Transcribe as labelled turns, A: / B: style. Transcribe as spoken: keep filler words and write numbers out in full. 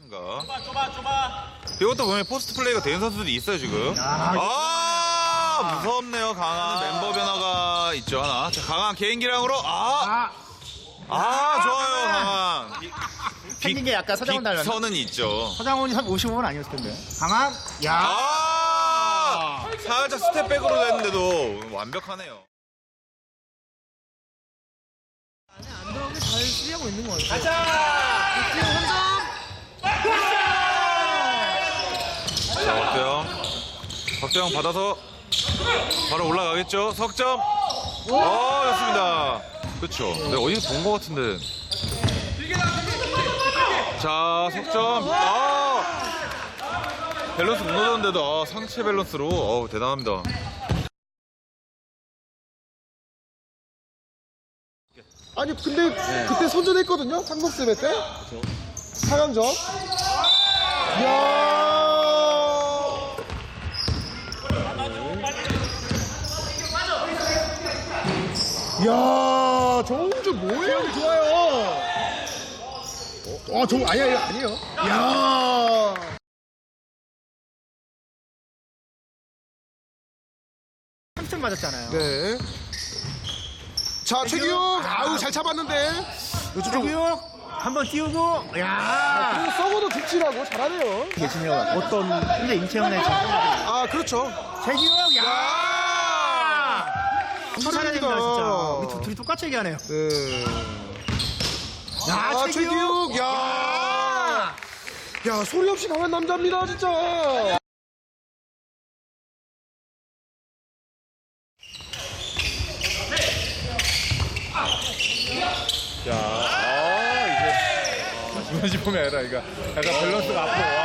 A: 이것도 보면 포스트 플레이가 되는 선수들이 있어요 지금. 아, 무섭네요. 강한 멤버 변화가 있죠 하나. 자, 강한 개인기량으로 아, 아 좋아요 강한.
B: 생긴 게 약간 서장훈 닮았나?
A: 선은 있죠.
B: 서장훈이 한 오십오 분 아니었을 텐데. 강한, 야,
A: 아, 살짝 스텝백으로 됐는데도 완벽하네요.
C: 안 들어오게 잘 수비하고 있는 것 같아요.
A: 자, 박대영. 박대영 받아서 바로 올라가겠죠. 석점. 어, 좋습니다. 그렇죠. 네, 어디서 본 것 같은데. 자, 석점. 아, 밸런스 무너졌는데도 아, 상체 밸런스로 어우, 대단합니다.
D: 아니 근데 그때 선전했거든요. 상록세배 때. 사 강전. 이야. 이야, 정주 뭐예요? 좋아요. 어, 정 아니야, 아니야, 아니에요. 이야.
B: 삼 점 맞았잖아요.
D: 네. 자, 최규영. 아우, 잘 잡았는데. 요즘 좀
B: 최규영 한번 띄우고, 야,
D: 그리고 서버도 득실하고 잘하네요.
B: 계시네요. 어떤 현재 임채원의 지금
D: 아, 그렇죠.
B: 최규영, 야,
D: 잘합니다.
B: 잘합니다 진짜. 우리 두, 둘이 똑같이 얘기하네요.
D: 네.
B: 야,
D: 아, 최규영. 야. 야, 소리 없이 강한 남자입니다, 진짜.
A: 자, 아, 이제. 이만지 폼이 아니라, 그러니까 약간 밸런스가 앞으로.